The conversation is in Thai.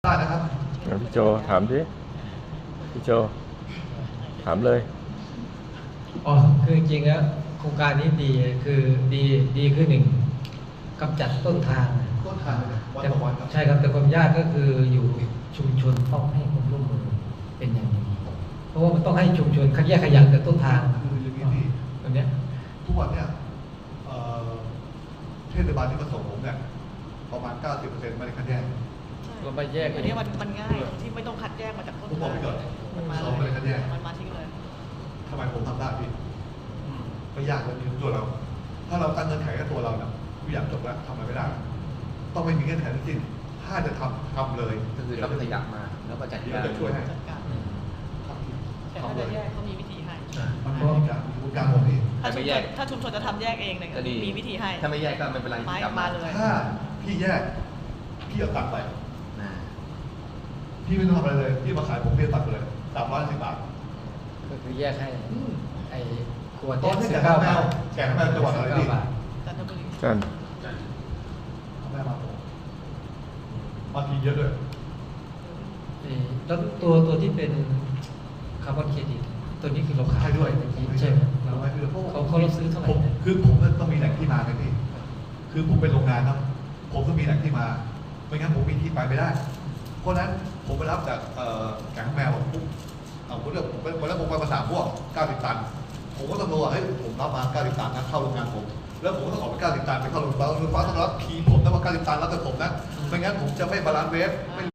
ได้นะครับพี่โจถามดิพี่โจถามเลยอ๋อคือจริงๆแล้วโครงการนี้ดีคือดีคือหนึ่งกำจัดต้นทางต้นทางเลยวันแต่ต่อวันครับใช่ครับแต่ความยากก็คืออยู่ชุมชนต้องให้ความร่วมมือเป็นอย่างดีเพราะว่ามันต้องให้ชุมชนคัดแยกขยะแต่ต้นทางคืออย่างนี้พี่ตรงเนี้ยทุกวันเนี่ยเทศบาลที่มาส่งผมเนี่ยประมาณ 90%ไม่ได้คัดแยกก็ไปแยกอันนี้มันง่ายที่ไม่ต้องคัดแยกมาจากต้นผมบอกทางไปก่อนมันมาเราไม่ได้คัดแยกมันมาทิ้งเลยทำไมผมทำได้พี่ไม่ยากเลยมีตัวเรา ถ้าเราตั้งเงื่อนไขกับตัวเราเนี่ยทุกอย่างจบแล้วทำอะไรไม่ได้ ต้องไม่มีเงื่อนไขทั้งสิ้นถ้าจะทำเลยก็คือรับขยะมาแล้วก็จัดเดี๋ยวการจะช่วยให้จัดการทำทีแต่ถ้าจะแยกเขามีวิธีให้มันมีวิธีการมีกระบวนการของพี่ถ้าชุมชนจะทำแยกเองเนี่ยก็ดีมีวิธีให้ถ้าไม่แยกก็ไม่เป็นไรไม้กลับมาเลยถ้าพี่แยกพี่เอาตังค์ไปนะพี่ไม่ต้องทำอะไรเลยพี่มาขายผมพี่ตัดไปเลย310 บาทก็คือแยกให้ไอ้ขวดตอนนี้สิแกบงเก้าแมบาว ทแกงแมวจังหวัดอะไรพี่บาทจันทบุรีจันแม่มาผมมาทีเยอะด้วยแล้วตัวที่เป็นคาร์บอนเครดิตตัวนี้คือเราขายด้วยใช่ไหมเราเขารับซื้อเท่าไหร่ผมคือผมต้องมีแหล่งที่มาไงพี่คือผมเป็นโรงงานครับผมต้องมีแหล่งที่มาไม่งั้นผมมีที่ไปไม่ได้ เพราะฉะนั้นผมไปรับจากแกงแมวปุ๊บผมเลือกผมไปแล้วผมไปมา3 พวก 90 ตัน ผมก็ต้องรู้ว่าเฮ้ยผมรับมา 90 ตันนะเข้าโรงงานผมแล้วผมก็ต้องออกไป 90 ตันไปเข้าโรงงานโรงไฟฟ้าต้องรับทีมผมนะว่า 90 ตันรับแต่ผมนะไม่งั้นผมจะไม่บาลานซ์เวฟไม่